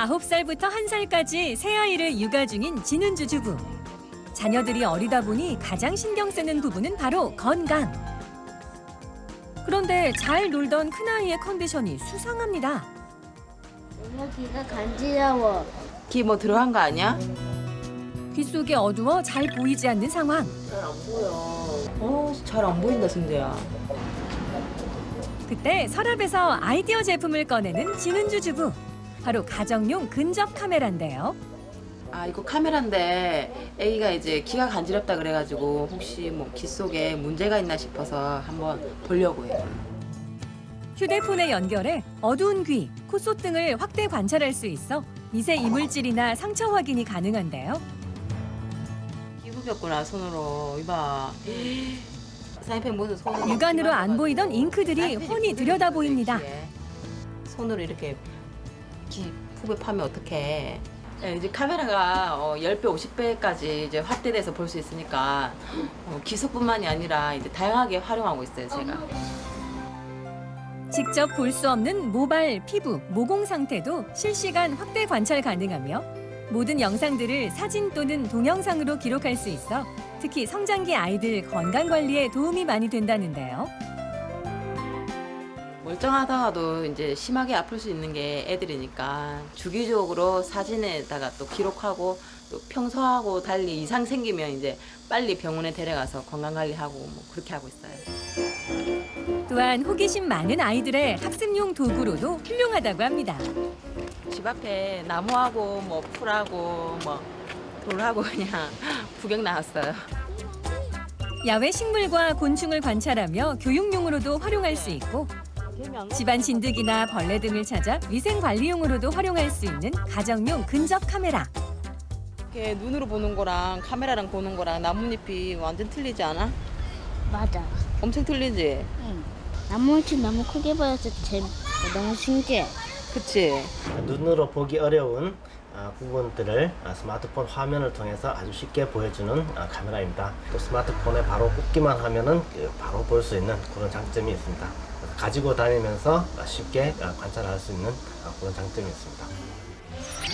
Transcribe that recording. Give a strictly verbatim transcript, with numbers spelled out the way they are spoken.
아홉 살부터 한 살까지 세 아이를 육아 중인 진은주 주부. 자녀들이 어리다 보니 가장 신경 쓰는 부분은 바로 건강. 그런데 잘 놀던 큰아이의 컨디션이 수상합니다. 엄마 귀가 간지러워. 귀 뭐 들어간 거 아니야? 귓속이 어두워 잘 보이지 않는 상황. 잘 안 보여. 어, 잘 안 보인다, 승재야. 그때 서랍에서 아이디어 제품을 꺼내는 진은주 주부. 바로 가정용 근접 카메라인데요. 아, 이거 카메라인데 애기가 이제 귀가 간지럽다 그래가지고 혹시 뭐 귀 속에 문제가 있나 싶어서 한번 보려고 해요. 휴대폰에 연결해 어두운 귀, 콧속 등을 확대 관찰할 수 있어 미세 이물질이나 상처 확인이 가능한데요. 귀 후볐구나, 손으로. 이봐. 사인펜 무슨 손으로. 육안으로 안 보이던 잉크들이 훤히 들여다 보입니다. 손으로 이렇게 귀 후벼 파면 어떡해. 네, 이제 카메라가 어, 십 배, 오십 배까지 이제 확대돼서 볼 수 있으니까 어, 기속뿐만이 아니라 이제 다양하게 활용하고 있어요, 제가. 직접 볼 수 없는 모발, 피부, 모공 상태도 실시간 확대 관찰 가능하며 모든 영상들을 사진 또는 동영상으로 기록할 수 있어 특히 성장기 아이들 건강 관리에 도움이 많이 된다는데요. 멀쩡하다가도 이제 심하게 아플 수 있는 게 애들이니까 주기적으로 사진에다가 또 기록하고 또 평소하고 달리 이상 생기면 이제 빨리 병원에 데려가서 건강관리하고 뭐 그렇게 하고 있어요. 또한 호기심 많은 아이들의 학습용 도구로도 훌륭하다고 합니다. 집 앞에 나무하고 뭐 풀하고 뭐 돌하고 그냥 구경 나왔어요. 야외 식물과 곤충을 관찰하며 교육용으로도 활용할 수 있고 집안 진드기나 벌레 등을 찾아 위생 관리용으로도 활용할 수 있는 가정용 근접 카메라. 이렇게 눈으로 보는 거랑 카메라랑 보는 거랑 나뭇잎이 완전 틀리지 않아? 맞아. 엄청 틀리지? 응. 나무치 너무 크게 보여서 재 너무 신기해. 그치? 눈으로 보기 어려운 아, 부분들을 아, 스마트폰 화면을 통해서 아주 쉽게 보여주는 아, 카메라입니다. 또 스마트폰에 바로 꽂기만 하면은 그 바로 볼 수 있는 그런 장점이 있습니다. 그래서 가지고 다니면서 아, 쉽게 아, 관찰할 수 있는 아, 그런 장점이 있습니다.